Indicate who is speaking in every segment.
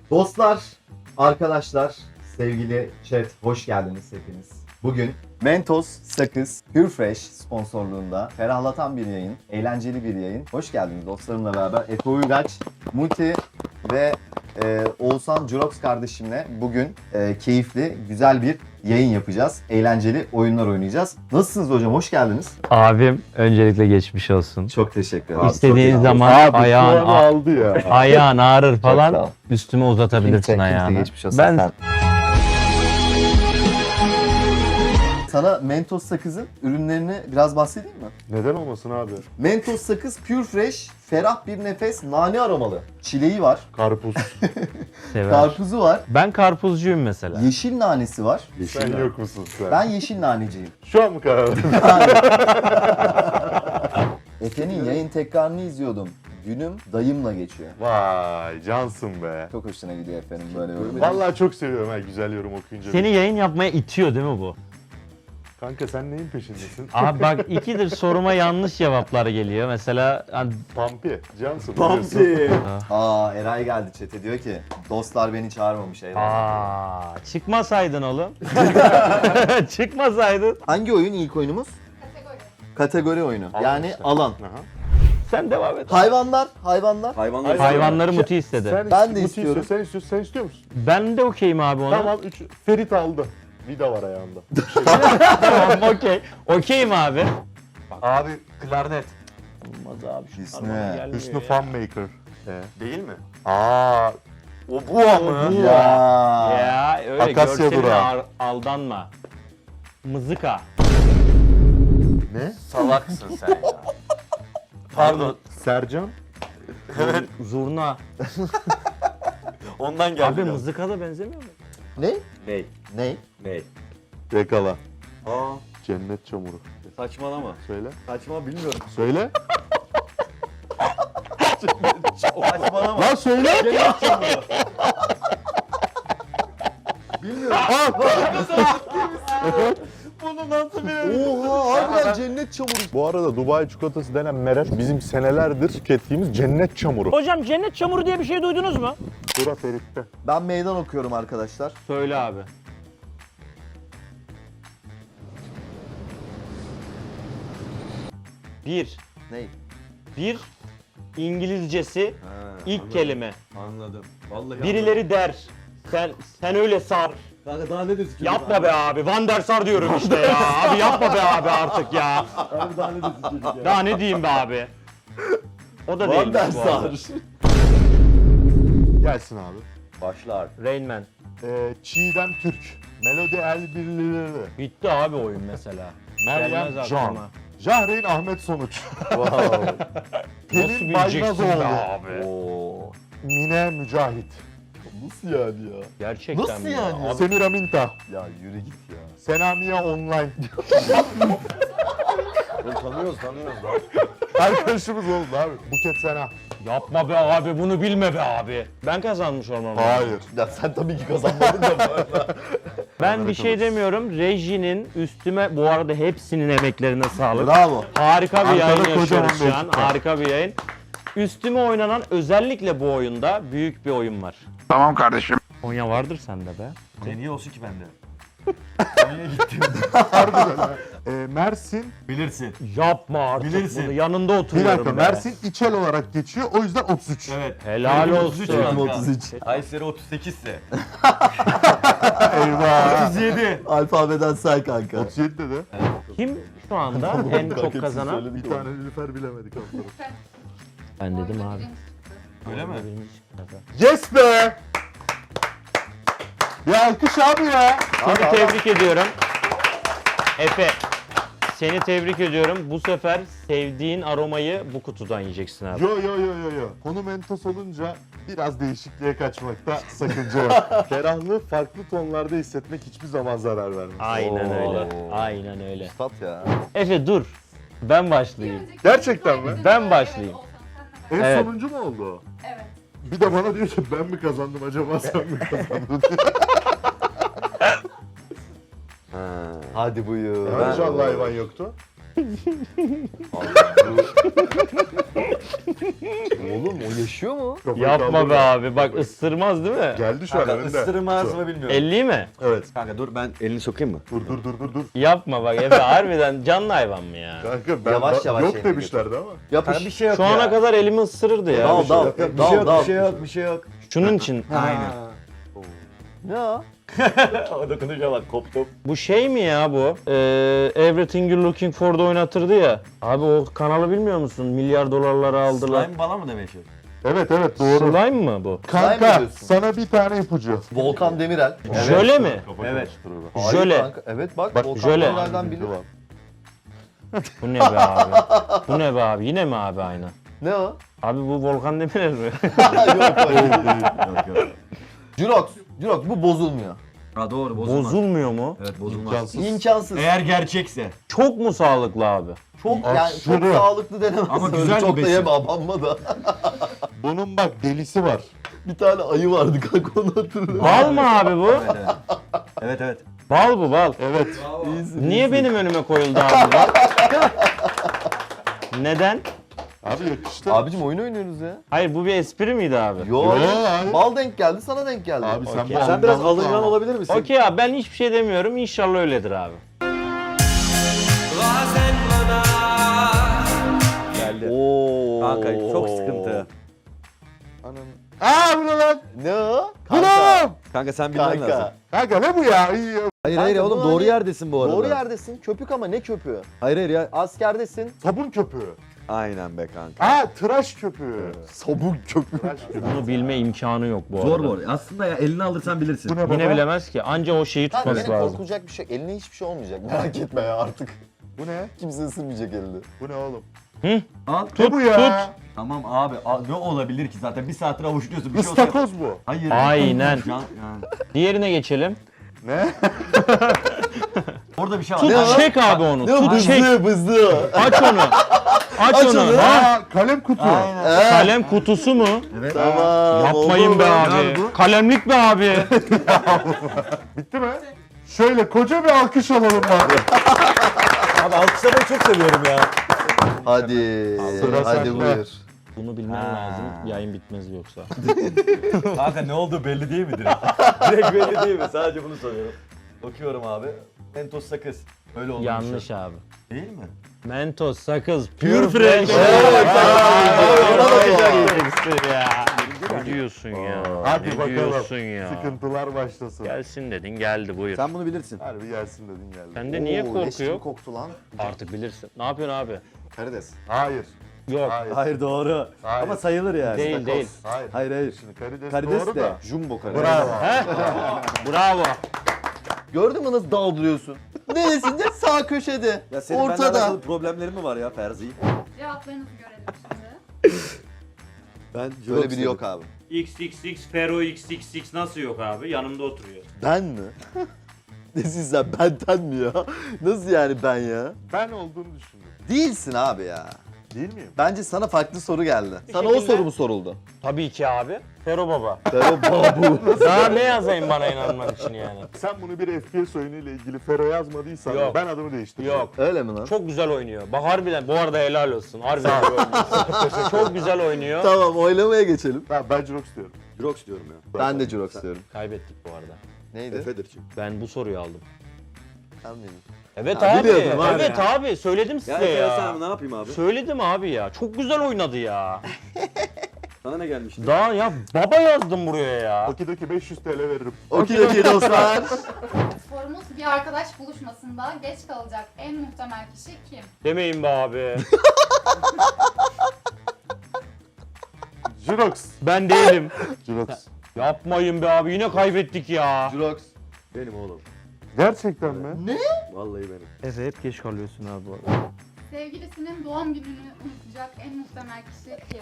Speaker 1: Dostlar, arkadaşlar, sevgili chat, hoş geldiniz hepiniz. Bugün Mentos Sakız Pure Fresh sponsorluğunda ferahlatan bir yayın, eğlenceli bir yayın. Hoş geldiniz dostlarımla beraber Efe Uygaç, Muti ve Oğuzhan Jurox kardeşimle bugün keyifli, güzel bir yayın yapacağız. Eğlenceli oyunlar oynayacağız. Nasılsınız hocam? Hoş geldiniz.
Speaker 2: Abim öncelikle geçmiş olsun.
Speaker 1: Çok teşekkür ederim.
Speaker 2: İstediğin zaman ayağın ağrır falan üstüme uzatabilirsin ayağını.
Speaker 1: Geçmiş olsun.
Speaker 2: Ben
Speaker 1: Sana Mentos Sakız'ın ürünlerini biraz bahsedeyim mi?
Speaker 3: Neden olmasın abi?
Speaker 1: Mentos Sakız Pure Fresh, ferah bir nefes, nane aromalı. Çileği var,
Speaker 3: Karpuz.
Speaker 2: sever.
Speaker 1: karpuzu var,
Speaker 2: Ben karpuzcuyum mesela.
Speaker 1: yeşil nanesi var.
Speaker 3: Sen yok musun sen?
Speaker 1: Ben yeşil naneciyim.
Speaker 3: Şu an mı karar verdin?
Speaker 1: Efe'nin yayın tekrarını izliyordum. Günüm dayımla geçiyor.
Speaker 3: Vay cansın be.
Speaker 1: Çok hoşuna gidiyor Efe'nin böyle yorum.
Speaker 3: Vallahi çok seviyorum ha güzel yorum okuyunca.
Speaker 2: Seni yayın yapmaya itiyor değil mi bu?
Speaker 3: Kanka sen neyin peşindesin?
Speaker 2: Abi bak ikidir soruma yanlış cevaplar geliyor. Mesela hani
Speaker 3: Pampi. Cansın. biliyorsun.
Speaker 1: Eray geldi chat'e diyor ki dostlar beni çağırmamış eyvallah.
Speaker 2: çıkmasaydın oğlum. Çıkmasaydın.
Speaker 1: Hangi oyun ilk oyunumuz? Kategori oyunu.
Speaker 3: Alan
Speaker 1: Yani
Speaker 3: işte.
Speaker 1: alan.
Speaker 3: Aha.
Speaker 2: Sen devam et.
Speaker 1: Hayvanlar.
Speaker 2: Hayvanları Muti istedi.
Speaker 3: Sen
Speaker 1: Ben de
Speaker 3: Muti
Speaker 1: istiyorum.
Speaker 3: Sen istiyorsun. Sen istiyor musun?
Speaker 2: Ben de okeyim abi ona.
Speaker 3: Tamam 3. Ferit aldı. Vida var ayağında.
Speaker 2: Tamam okey. Okeyim abi.
Speaker 4: Abi klarnet.
Speaker 2: Olmaz abi. Şu
Speaker 1: Hüsnü.
Speaker 2: arabaya gelmiyor
Speaker 3: Hüsnü
Speaker 2: ya.
Speaker 3: Funmaker.
Speaker 4: Değil mi?
Speaker 3: Aa.
Speaker 4: O bu ama.
Speaker 1: Ya.
Speaker 2: Ya öyle
Speaker 3: Akasya
Speaker 2: görseline
Speaker 3: durağı.
Speaker 2: aldanma. Mızıka.
Speaker 3: Ne?
Speaker 4: Salaksın sen ya. Pardon.
Speaker 3: Sercan.
Speaker 4: Evet.
Speaker 2: Zurna.
Speaker 4: Ondan geldi.
Speaker 2: Abi
Speaker 4: galiba.
Speaker 2: mızıka da benzemiyor mu?
Speaker 1: Ne?
Speaker 4: Ney?
Speaker 1: Ne?
Speaker 4: Ney?
Speaker 3: Yakala.
Speaker 4: Aa,
Speaker 3: Cennet çamuru.
Speaker 4: saçmalama.
Speaker 3: Söyle.
Speaker 4: Saçma bilmiyorum.
Speaker 3: Söyle.
Speaker 4: Saçmalama.
Speaker 3: Lan söyle.
Speaker 1: Bilmiyorum.
Speaker 4: Bunu nasıl biliyorsun?
Speaker 1: Oha harbiden cennet çamuru.
Speaker 3: Bu arada Dubai çikolatası denen mereç bizim senelerdir tükettiğimiz cennet çamuru.
Speaker 2: Hocam cennet çamuru diye bir şey duydunuz mu?
Speaker 3: Sıra Ferit'te.
Speaker 1: Ben meydan okuyorum arkadaşlar.
Speaker 2: Söyle abi. Bir.
Speaker 1: Ney?
Speaker 2: Bir. İngilizcesi ilk kelime.
Speaker 4: Anladım. Vallahi
Speaker 2: Birileri der. Sen öyle sar.
Speaker 4: Kanka daha ne desin?
Speaker 2: Yapma be abi. Van der Sar diyorum işte ya. Abi yapma be abi artık ya.
Speaker 4: Abi daha ne desin çocuk ya?
Speaker 2: Daha ne diyeyim be abi. O da
Speaker 1: Van
Speaker 2: değil
Speaker 1: der
Speaker 2: bu arada.
Speaker 1: Sar.
Speaker 3: Gelsin abi.
Speaker 4: Başlar.
Speaker 2: Rain Man.
Speaker 3: Çiğdem Türk. Melodi El Birlileri.
Speaker 2: Bitti abi oyun mesela.
Speaker 3: Meryem
Speaker 2: Gelmez
Speaker 3: Can.
Speaker 2: aklıma.
Speaker 3: Jahreyn Ahmet Sonuç.
Speaker 1: Wow.
Speaker 2: Nasıl
Speaker 3: Pelin
Speaker 2: bileceksin be
Speaker 3: Baynazoğlu.
Speaker 2: abi?
Speaker 1: Oo.
Speaker 3: Mine Mücahit.
Speaker 1: Nasıl yani ya?
Speaker 2: Gerçekten
Speaker 1: Nasıl
Speaker 2: mi ya?
Speaker 1: yani ya?
Speaker 2: Abi,
Speaker 3: Semira Minta.
Speaker 1: Ya yürü git ya.
Speaker 3: Senamiye Online.
Speaker 4: Tanıyoruz lan.
Speaker 3: Arkadaşımız oldu abi. Buket Sena.
Speaker 2: yapma be abi bunu bilme be abi. Ben kazanmış olmam lazım.
Speaker 3: Hayır.
Speaker 1: Ya sen tabii ki kazanmadın da bu arada.
Speaker 2: Ben bir şey demiyorum. Rejinin üstüme bu arada hepsinin emeklerine sağlık.
Speaker 1: Bravo.
Speaker 2: Harika bir
Speaker 3: Arkada
Speaker 2: yayın
Speaker 3: kocaman
Speaker 2: yaşıyoruz
Speaker 3: bir
Speaker 2: şu an.
Speaker 3: ekip var.
Speaker 2: Harika bir yayın. Üstüme oynanan özellikle bu oyunda büyük bir oyun var.
Speaker 5: Tamam kardeşim.
Speaker 2: Konya vardır sende be.
Speaker 4: Niye olsun ki bende?
Speaker 3: Mersin.
Speaker 4: Bilirsin.
Speaker 2: Yapma artık
Speaker 4: Bilirsin.
Speaker 2: bunu. Yanında
Speaker 3: Bir
Speaker 2: oturuyorum
Speaker 3: dakika.
Speaker 2: be.
Speaker 3: Mersin İçel olarak geçiyor. O yüzden 33.
Speaker 4: Evet.
Speaker 2: Helal olsun.
Speaker 4: 33
Speaker 1: Benim
Speaker 4: kanka.
Speaker 1: 33.
Speaker 4: Kayseri 38 ise.
Speaker 3: Eyvah.
Speaker 4: 37.
Speaker 1: Alfabeden say kanka.
Speaker 3: 37 dedi.
Speaker 2: Kim şu anda en çok kazanan?
Speaker 3: Bir tane Nilüfer bilemedik.
Speaker 2: Ben dedim abi.
Speaker 4: Öyle mi?
Speaker 3: Yes be! Ya alkış abi ya.
Speaker 2: Seni tebrik ediyorum. Efe, seni tebrik ediyorum. Bu sefer sevdiğin aromayı bu kutudan yiyeceksin abi.
Speaker 3: Yo. Konu Mentos olunca biraz değişikliğe kaçmakta sakınca yok. Ferahlığı farklı tonlarda hissetmek hiçbir zaman zarar vermez.
Speaker 2: Aynen
Speaker 1: Oo.
Speaker 2: öyle. Aynen öyle.
Speaker 1: Stat ya.
Speaker 2: Efe dur. Ben başlayayım.
Speaker 3: Gerçekten mi?
Speaker 2: Ben başlayayım.
Speaker 3: En
Speaker 2: Evet.
Speaker 3: sonuncu mu oldu o?
Speaker 6: Evet.
Speaker 3: Bir de bana diyor ki ben mi kazandım acaba sen mi kazandın?
Speaker 1: Hadi buyur.
Speaker 3: Hani canlı hayvan yoktu?
Speaker 1: Oğlum o yaşıyor mu?
Speaker 3: Kafayı
Speaker 2: Yapma
Speaker 3: kaldırma.
Speaker 2: be abi. Bak ısırmaz değil mi?
Speaker 3: Geldi şu an
Speaker 4: Kanka
Speaker 3: önünde.
Speaker 4: ısırmaz mı bilmiyorum.
Speaker 2: 50 mi?
Speaker 3: Evet.
Speaker 4: Kanka dur ben elini sokayım mı?
Speaker 3: Dur.
Speaker 2: Yapma bak Efe harbiden canlı hayvan mı ya?
Speaker 3: Kanka ben
Speaker 1: Yavaş yavaş
Speaker 3: yok
Speaker 1: elini
Speaker 3: demişlerdi ama.
Speaker 1: Yapış.
Speaker 4: Kanka bir şey yok
Speaker 2: Şu
Speaker 4: ya.
Speaker 2: ana kadar elimi ısırırdı ya.
Speaker 1: Dal, dal.
Speaker 4: Yok, bir şey yok, bir şey yok, bir şey yok.
Speaker 2: Şunun için.
Speaker 4: Aynen.
Speaker 1: Ne o?
Speaker 4: O dokunuşa bak koptum.
Speaker 2: Bu şey mi ya bu? Everything You're Looking For'da oynatırdı ya. Abi o kanalı bilmiyor musun? Milyar dolarları aldılar.
Speaker 4: Slime bala mı demeye çalışıyorsun?
Speaker 3: Evet doğru.
Speaker 2: Slime mı bu?
Speaker 1: Slime
Speaker 3: Kanka
Speaker 1: diyorsun.
Speaker 3: sana bir tane ipucu.
Speaker 1: Volkan Demirel.
Speaker 2: Jöle mi?
Speaker 4: Evet.
Speaker 1: Hayır
Speaker 2: Jöle.
Speaker 1: kanka, evet bak,
Speaker 3: Bak,
Speaker 1: Volkan
Speaker 2: jöle.
Speaker 1: Demirel'den biri.
Speaker 2: Bu ne be abi? Bu ne be abi? Yine mi abi aynı?
Speaker 1: Ne o?
Speaker 2: Abi bu Volkan Demirel mi?
Speaker 1: Yok öyle değil.
Speaker 4: Yok yok.
Speaker 1: Jurox bu bozulmuyor.
Speaker 4: Ha doğru bozulmaz.
Speaker 2: Bozulmuyor mu?
Speaker 4: Evet bozulmaz.
Speaker 3: İmkansız.
Speaker 1: İmkansız.
Speaker 4: Eğer gerçekse.
Speaker 2: Çok mu sağlıklı abi?
Speaker 1: Çok yani çok
Speaker 3: Aşırı.
Speaker 1: sağlıklı denemez.
Speaker 4: Ama
Speaker 1: Öyle
Speaker 4: güzel bir
Speaker 1: çok da
Speaker 4: besin.
Speaker 1: yeme abanma da.
Speaker 3: Bunun bak delisi var.
Speaker 1: Bir tane ayı vardı kanka, onu hatırlıyorum.
Speaker 2: Bal mı abi bu?
Speaker 4: Evet evet. Evet evet.
Speaker 2: Bal bu bal.
Speaker 3: Evet.
Speaker 2: Niye benim önüme koyuldu abi bal? Neden?
Speaker 3: Abi yakıştı.
Speaker 1: Abicim oyun oynuyoruz ya.
Speaker 2: Hayır bu bir espri miydi abi?
Speaker 1: Yo,
Speaker 3: Yo, hayır.
Speaker 1: bal denk geldi, sana denk geldi.
Speaker 3: Abi sen
Speaker 2: Okey.
Speaker 3: bu
Speaker 4: Sen biraz
Speaker 3: anlamda-
Speaker 4: alıngan olabilir misin?
Speaker 2: Okey abi ben hiçbir şey demiyorum. İnşallah öyledir abi.
Speaker 4: Geldi.
Speaker 1: Oo.
Speaker 4: Kanka çok sıkıntı.
Speaker 3: Aa bu ne lan?
Speaker 1: Ne o?
Speaker 3: Bu ne oğlum?
Speaker 4: Kanka sen bilmen lazım.
Speaker 1: Kanka.
Speaker 3: Kanka ne bu ya? İyi ya.
Speaker 4: Hayır
Speaker 1: Kanka,
Speaker 4: oğlum
Speaker 1: bu
Speaker 4: doğru
Speaker 1: hani-
Speaker 4: yerdesin bu arada.
Speaker 1: Doğru yerdesin. Köpük ama ne köpüğü?
Speaker 4: Hayır ya.
Speaker 1: Askerdesin.
Speaker 3: Sabun köpüğü.
Speaker 4: Aynen be kanka.
Speaker 3: Aa tıraş köpüğü.
Speaker 1: Sabun köpüğü.
Speaker 3: Tıraş köpüğü.
Speaker 2: Bunu bilme imkanı yok bu arada.
Speaker 4: Zor bu arada. Aslında ya elini alırsan bilirsin.
Speaker 3: Bu ne baba?
Speaker 2: Yine bilemez ki. Anca o şeyi
Speaker 1: Kanka
Speaker 2: tutması
Speaker 1: benim
Speaker 2: lazım.
Speaker 1: korkulacak bir şey. Eline hiçbir şey olmayacak. Merak etme ya artık.
Speaker 3: Bu ne?
Speaker 1: Kimse ısırmayacak elini.
Speaker 3: Bu ne oğlum?
Speaker 4: Al.
Speaker 3: Ne bu ya?
Speaker 4: Tamam abi. Ne olabilir ki zaten? Bir saattir avuçluyorsun. Bir şey olsa...
Speaker 3: Istakoz bu.
Speaker 4: Hayır.
Speaker 2: Aynen.
Speaker 4: Şu an yani.
Speaker 2: Diğerine geçelim.
Speaker 3: Ne?
Speaker 4: Orada bir şey var.
Speaker 2: Tut
Speaker 1: Ne o?
Speaker 2: çek abi onu.
Speaker 1: Ne o?
Speaker 2: Tut çek.
Speaker 1: Bızlı bızlı.
Speaker 2: Aç onu. Aç onu.
Speaker 1: onu.
Speaker 2: Ha?
Speaker 3: Aa kalem kutu.
Speaker 4: Aynen.
Speaker 2: Kalem kutusu mu?
Speaker 4: Evet.
Speaker 1: Tamam.
Speaker 2: Yapmayın
Speaker 1: oldu
Speaker 2: be
Speaker 1: mu?
Speaker 2: abi. Kalemlik be abi.
Speaker 3: Bitti mi? Şöyle koca bir alkış alalım bari.
Speaker 4: Abi alkışlamayı çok seviyorum ya.
Speaker 1: Hadi.
Speaker 3: Sıra
Speaker 1: Hadi
Speaker 3: sende.
Speaker 1: buyur.
Speaker 2: Bunu bilmen
Speaker 4: Ha.
Speaker 2: lazım. Yayın bitmez yoksa.
Speaker 4: Kanka ne olduğu belli değil mi direkt? Direkt belli değil mi? Sadece bunu soruyorum. Bakıyorum abi. Mentos sakız. Öyle olmuş.
Speaker 2: Yanlış abi.
Speaker 4: Değil mi?
Speaker 2: Mentos, sakız,
Speaker 1: Pure
Speaker 2: pure
Speaker 1: fresh.
Speaker 2: fresh.
Speaker 1: Evet,
Speaker 2: Ona
Speaker 1: ona
Speaker 2: bakacaksın ya. Ne diyorsun ya?
Speaker 3: Hadi
Speaker 2: Ne
Speaker 3: bakalım.
Speaker 2: diyorsun ya?
Speaker 3: Sıkıntılar başlasın.
Speaker 2: Gelsin dedin geldi buyur.
Speaker 4: Sen bunu bilirsin.
Speaker 3: Harbi gelsin dedin geldi.
Speaker 2: Sende niye
Speaker 1: Oo,
Speaker 2: korku
Speaker 1: leş gibi
Speaker 2: yok?
Speaker 1: koktu lan.
Speaker 2: Artık bilirsin. Ne yapıyorsun abi?
Speaker 1: Karides.
Speaker 3: Hayır.
Speaker 2: Yok.
Speaker 3: Hayır.
Speaker 4: Hayır doğru.
Speaker 3: Hayır.
Speaker 4: Ama sayılır yani.
Speaker 2: Değil değil.
Speaker 3: Hayır.
Speaker 4: Hayır hayır.
Speaker 3: Şimdi karides,
Speaker 4: Karides
Speaker 3: doğru
Speaker 4: de.
Speaker 3: da.
Speaker 1: Jumbo karides.
Speaker 3: Bravo.
Speaker 2: He? Bravo.
Speaker 1: Gördün mü nasıl daldırıyorsun? Neresinde? Sağ köşede.
Speaker 4: Ya senin benimle
Speaker 1: Ortada.
Speaker 4: alakalı problemlerin mi var ya Ferzi?
Speaker 5: Cevaplarınızı görelim şimdi.
Speaker 4: Ben
Speaker 1: Böyle biri yok abi.
Speaker 2: XXX, Fero XXX nasıl yok abi? Yanımda oturuyor.
Speaker 1: Ben mi? Nesin sen, benden mi ya? Nasıl yani ben ya?
Speaker 3: Ben olduğunu düşündüm.
Speaker 1: Değilsin abi ya.
Speaker 3: Değil miyim?
Speaker 1: Bence sana farklı soru geldi. Sana o
Speaker 2: şekilde-
Speaker 1: soru mu soruldu?
Speaker 2: Tabii ki abi. Fero baba.
Speaker 1: Fero babu.
Speaker 2: Daha ne yazayım bana inanman için yani?
Speaker 3: Sen bunu bir FPS oyunu ile ilgili Fero yazmadıysan
Speaker 2: Yok.
Speaker 3: ben adımı değiştireceğim.
Speaker 2: Yok.
Speaker 1: Öyle mi lan?
Speaker 2: Çok güzel oynuyor. Bak harbiden bu arada helal olsun. Harbiden güzel oynuyor. Çok güzel oynuyor.
Speaker 1: Tamam, oylamaya geçelim.
Speaker 3: Ben Jirox diyorum.
Speaker 4: Jirox diyorum ya.
Speaker 1: Ben de Jurox diyorum.
Speaker 2: Kaybettik bu arada.
Speaker 1: Neydi?
Speaker 4: Efe'dir çünkü.
Speaker 2: Ben bu soruyu aldım.
Speaker 1: Sen benim.
Speaker 2: Evet
Speaker 1: Ya
Speaker 2: abi.
Speaker 1: biliyordum abi
Speaker 2: Evet abi. Söyledim size
Speaker 4: Ya
Speaker 2: ya.
Speaker 4: Efe sen ne yapayım abi?
Speaker 2: Söyledim abi ya. Çok güzel oynadı ya.
Speaker 4: Sana ne gelmişti?
Speaker 2: Daha ya baba yazdım buraya ya.
Speaker 3: Okidoki 500 TL veririm.
Speaker 1: Okey dostlar.
Speaker 5: Sorumuz bir arkadaş buluşmasında geç kalacak en muhtemel kişi kim?
Speaker 2: Demeyin be abi.
Speaker 3: Jirox.
Speaker 2: Ben değilim.
Speaker 3: Jirox.
Speaker 2: Yapmayın be abi. Yine kaybettik ya.
Speaker 1: Jurox.
Speaker 4: Benim oğlum.
Speaker 3: Gerçekten mi?
Speaker 4: Vallahi benim.
Speaker 2: Efe hep geç kalıyorsun abi bu arada.
Speaker 5: Sevgilisinin doğum gününü unutacak en muhtemel kişi kim?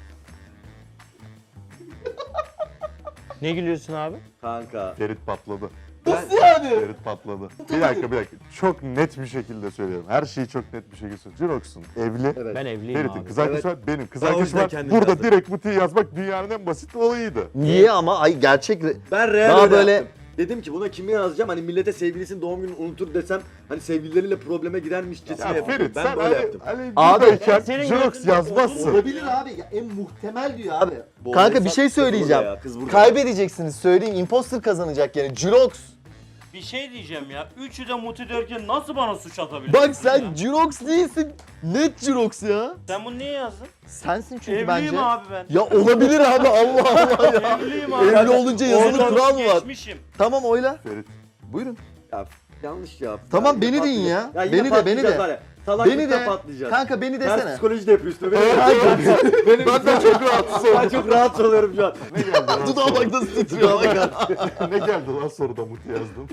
Speaker 2: Ne gülüyorsun abi?
Speaker 4: Kanka.
Speaker 3: Ferit patladı.
Speaker 1: Nasıl yani?
Speaker 3: Ferit patladı. Bir dakika. Çok net bir şekilde söylüyorum. Her şeyi çok net bir şekilde söylüyorum. Jirox'un evli.
Speaker 4: Evet.
Speaker 2: Ben evliyim
Speaker 3: Ferit'in
Speaker 2: abi.
Speaker 3: kız arkadaşı var, benim kız
Speaker 4: Ben o
Speaker 3: arkadaşım
Speaker 4: yüzden
Speaker 3: var.
Speaker 4: kendim
Speaker 3: Burada
Speaker 4: yazdım.
Speaker 3: direkt butiği yazmak dünyanın en basit olayıydı.
Speaker 1: Niye ama? Ay gerçek.
Speaker 4: Ben real
Speaker 1: Daha
Speaker 4: öyle
Speaker 1: böyle
Speaker 4: yaptım. Dedim ki buna kimi yazacağım? Hani millete sevgilisinin doğum gününü unutur desem hani sevgilileriyle probleme girermişçesine
Speaker 3: Ya
Speaker 4: yapıyorum.
Speaker 3: Ferit
Speaker 4: Ben
Speaker 3: sen
Speaker 4: böyle
Speaker 3: hani,
Speaker 4: yaptım.
Speaker 3: hani
Speaker 1: Abi,
Speaker 3: buradayken
Speaker 2: senin
Speaker 3: Jirox
Speaker 2: gözünde
Speaker 3: yazmazsın.
Speaker 1: Olabilir abi. Ya, en muhtemel diyor abi.
Speaker 4: Bu
Speaker 1: Kanka
Speaker 4: olmasa
Speaker 1: bir şey
Speaker 4: kız burada
Speaker 1: söyleyeceğim.
Speaker 4: ya, kız burada.
Speaker 1: Kaybedeceksiniz söyleyeyim. Imposter kazanacak yani. Jirox.
Speaker 2: Bir şey diyeceğim ya. Üçü de muti derken nasıl bana suç atabilirsin?
Speaker 1: Bak sen
Speaker 2: ya?
Speaker 1: Jirox değilsin. Net Jirox ya.
Speaker 2: Sen bunu niye yazdın?
Speaker 1: Sensin çünkü
Speaker 2: Evliyim
Speaker 1: bence.
Speaker 2: abi ben.
Speaker 1: Ya olabilir abi Allah Allah ya.
Speaker 2: Evliyim abi.
Speaker 1: Evli olunca yazılı
Speaker 2: Oradan
Speaker 1: kural mı var?
Speaker 2: Geçmişim.
Speaker 1: Tamam oyla.
Speaker 3: Ferit.
Speaker 1: Buyurun.
Speaker 4: Ya, yanlış ya.
Speaker 1: Tamam,
Speaker 4: Ya,
Speaker 1: beni
Speaker 4: yine
Speaker 1: deyin ya.
Speaker 4: patlayacağız.
Speaker 1: Beni de,
Speaker 4: yine
Speaker 1: beni de.
Speaker 4: patlayacağız var ya. Salaklıkta
Speaker 1: Beni de.
Speaker 4: patlayacağız.
Speaker 1: Kanka beni
Speaker 4: Ters
Speaker 1: desene.
Speaker 4: psikoloji de yapıyor üstüne.
Speaker 3: Ben de çok rahatsız
Speaker 4: Ben
Speaker 3: oldum.
Speaker 4: çok rahatsız oluyorum şu an.
Speaker 3: Ne geldi lan?
Speaker 1: Dudağa bak nasıl titriyor bak.
Speaker 3: Ne geldi lan soruda Muti yazdın?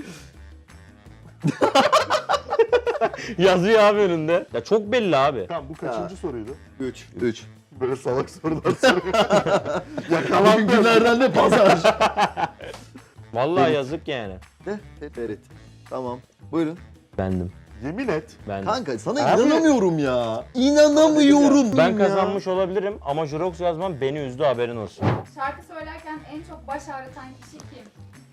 Speaker 2: Yazıyor abi önünde. Ya çok belli abi.
Speaker 3: Tamam bu kaçıncı soruydu?
Speaker 4: 3.
Speaker 1: 3.
Speaker 3: Böyle salak sorular soruyor.
Speaker 1: Bugün
Speaker 3: Yakalandım.
Speaker 1: günlerden de pazar.
Speaker 2: Vallahi yazık yani.
Speaker 1: Ferit. Tamam. Buyurun.
Speaker 2: Bendim.
Speaker 3: Yemin et.
Speaker 2: Ben.
Speaker 1: Kanka sana
Speaker 2: Abi-
Speaker 1: inanamıyorum ya. İnanamıyorum.
Speaker 2: Ben
Speaker 1: ya.
Speaker 2: kazanmış olabilirim ama Jurox yazmam beni üzdü, haberin olsun.
Speaker 5: Şarkı söylerken en çok baş ağrıtan kişi kim?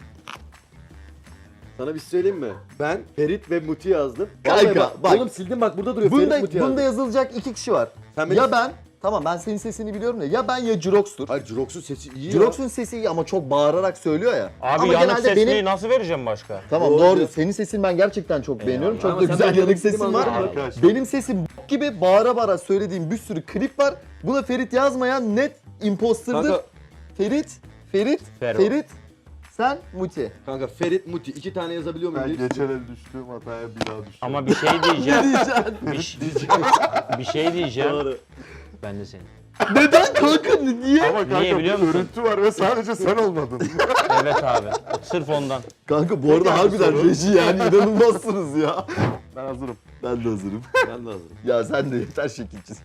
Speaker 4: Sana bir şey söyleyeyim mi? Ben Ferit ve Muti yazdım.
Speaker 1: Kanka,
Speaker 4: Vallahi
Speaker 1: bak.
Speaker 4: Oğlum sildim bak burada duruyor. Ferit Muti
Speaker 1: Bunda
Speaker 4: yazdım.
Speaker 1: yazılacak 2 kişi var.
Speaker 4: Sen beni...
Speaker 1: Ya ben, tamam ben senin sesini biliyorum ya ben ya Jirox'tur.
Speaker 4: Hayır Jirox'un sesi iyi ya.
Speaker 1: Jirox'un sesi iyi ama çok bağırarak söylüyor ya.
Speaker 2: Abi
Speaker 1: ama
Speaker 2: yanık sesliği nasıl vereceğim başka?
Speaker 1: Tamam
Speaker 4: Doğru
Speaker 1: doğru.
Speaker 4: diyor.
Speaker 1: Senin sesini ben gerçekten çok beğeniyorum. Çok
Speaker 4: Ama
Speaker 1: da
Speaker 4: sen
Speaker 1: güzel
Speaker 4: benim
Speaker 1: yanık
Speaker 4: sesimi
Speaker 1: sesin var.
Speaker 4: anladın mı?
Speaker 3: Arkadaşlar.
Speaker 1: Benim sesim gibi bağıra bağıra söylediğim bir sürü klip var. Buna Ferit yazmayan net imposter'dır.
Speaker 4: Kanka-
Speaker 1: Ferit,
Speaker 2: Fero.
Speaker 1: sen Muti.
Speaker 4: Kanka Ferit Muti 2 tane yazabiliyor muyum?
Speaker 3: Ben
Speaker 4: diye
Speaker 3: geçen el düştüğüm hataya bir daha düştüm.
Speaker 2: Ama bir şey
Speaker 1: Ne
Speaker 2: diyeceğim.
Speaker 1: diyeceksin?
Speaker 2: bir şey diyeceğim.
Speaker 4: Doğru.
Speaker 2: Ben de senin.
Speaker 1: Neden kanka niye?
Speaker 3: Ama kanka
Speaker 2: Niye biliyor
Speaker 3: bir
Speaker 2: musun?
Speaker 3: örüntü var ve sadece sen olmadın.
Speaker 2: Evet abi. Sırf ondan.
Speaker 1: Kanka bu arada
Speaker 3: geldi
Speaker 1: harbiden
Speaker 3: soru?
Speaker 1: reji yani inanılmazsınız ya.
Speaker 3: Ben hazırım.
Speaker 1: Ben de hazırım.
Speaker 4: Ben de hazırım.
Speaker 1: Ya sen de yeter şekilciz.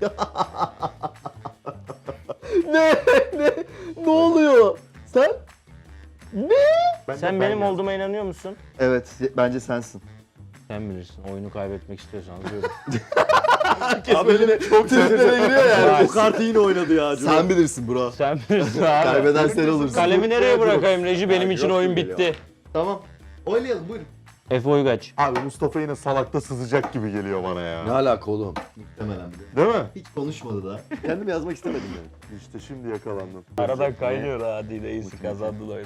Speaker 1: ne? Ne oluyor? Sen?
Speaker 3: Ben de
Speaker 2: Sen
Speaker 3: ben
Speaker 2: benim
Speaker 3: yazdım.
Speaker 2: olduğuma inanıyor musun?
Speaker 1: Evet bence sensin.
Speaker 2: Sen bilirsin. Oyunu kaybetmek istiyorsan buyurun.
Speaker 1: Herkes böyle çok triplere giriyor yani.
Speaker 4: Bu kartı yine oynadı ya. Jirox.
Speaker 1: Sen bilirsin bro.
Speaker 2: Sen bilirsin abi.
Speaker 1: Kaybeden sen olursun.
Speaker 2: Kalemi nereye bırakayım Reji? Benim
Speaker 4: Ya,
Speaker 2: için
Speaker 4: yok
Speaker 2: oyun
Speaker 4: böyle
Speaker 2: bitti.
Speaker 1: Tamam. Oylayalım buyurun.
Speaker 2: Efe Uygaç.
Speaker 3: Abi Mustafa yine salakta sızacak gibi geliyor bana ya.
Speaker 4: Ne alaka oğlum?
Speaker 1: Muhtemelen bile.
Speaker 3: Değil mi?
Speaker 1: Hiç konuşmadı da.
Speaker 4: Kendim yazmak istemedim yani.
Speaker 3: İşte şimdi yakalandın.
Speaker 2: Aradan kaynıyor ha. Hadi neyse kazandın oyunu.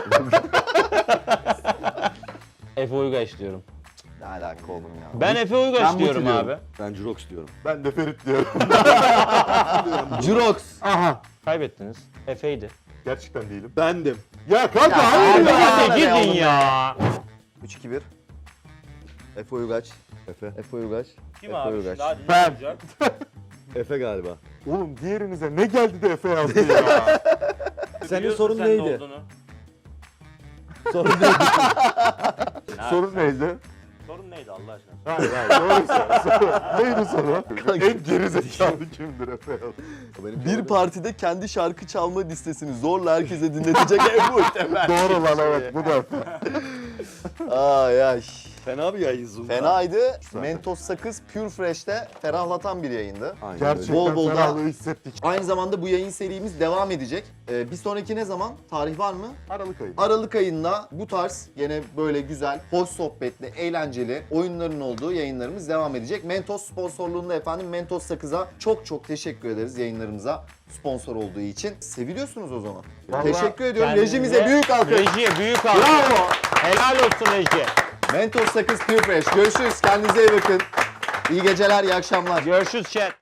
Speaker 2: Efe Uygaç diyorum.
Speaker 1: Ne alaka oğlum ya.
Speaker 2: Ben Efe Uygaç
Speaker 1: Ben Muti
Speaker 2: diyorum
Speaker 1: diyorum.
Speaker 2: abi.
Speaker 4: Ben Jirox diyorum.
Speaker 3: Ben de Ferit diyorum.
Speaker 1: Jirox.
Speaker 3: Aha.
Speaker 2: Kaybettiniz. Efe'ydi.
Speaker 3: Gerçekten değilim.
Speaker 4: Bendim.
Speaker 3: Ya kanka
Speaker 1: Ya
Speaker 3: hayır
Speaker 1: abi
Speaker 3: ya.
Speaker 1: ya.
Speaker 2: Hadi
Speaker 1: be
Speaker 2: gidin
Speaker 1: oğlum
Speaker 2: ya.
Speaker 1: 3-2-1. Efe Uygaç. Efe Uygaç.
Speaker 2: Kim
Speaker 1: Efe
Speaker 2: abi
Speaker 1: Uygaç.
Speaker 2: şimdi hadi
Speaker 3: Ben.
Speaker 2: ne olacak?
Speaker 4: Efe galiba.
Speaker 3: Oğlum diğerinize ne geldi de Efe yazdı ya.
Speaker 4: Senin
Speaker 2: Biliyorsun
Speaker 4: sorun
Speaker 2: sen ne
Speaker 4: neydi?
Speaker 2: olduğunu.
Speaker 4: Sorun neydi?
Speaker 3: Sorun neydi?
Speaker 2: Sorun neydi Allah aşkına?
Speaker 3: Hayır hayır doğru soru. Neydi soru? En gerizekalı kimdir Efe yazdı?
Speaker 1: Bir partide kendi şarkı çalma listesini zorla herkese dinletecek en muhtemel.
Speaker 3: Doğru lan evet bu da Efe.
Speaker 1: Ay ay.
Speaker 4: Fena bir yayız Zulkan.
Speaker 1: Fenaydı. Mentos Sakız Pure Fresh'te ferahlatan bir yayındı.
Speaker 4: Aynen
Speaker 3: Gerçekten
Speaker 1: Bol bol da-
Speaker 3: ferahlığı hissettik.
Speaker 1: Aynı zamanda bu yayın serimiz devam edecek. Bir sonraki ne zaman? Tarih var mı?
Speaker 3: Aralık ayı.
Speaker 1: Aralık ayında bu tarz gene böyle güzel, hoş sohbetli, eğlenceli oyunların olduğu yayınlarımız devam edecek. Mentos sponsorluğunda efendim Mentos Sakız'a çok teşekkür ederiz yayınlarımıza sponsor olduğu için. Seviliyorsunuz o zaman.
Speaker 3: Vallahi
Speaker 1: teşekkür ediyorum.
Speaker 2: Kendinize-
Speaker 1: Rejimize büyük alkış.
Speaker 2: Rejiye büyük alkış.
Speaker 1: Bravo.
Speaker 2: Helal olsun Reji.
Speaker 1: Mentos Sakız Pure Fresh. Görüşürüz. Kendinize iyi bakın. İyi geceler, iyi akşamlar.
Speaker 2: Görüşürüz chat.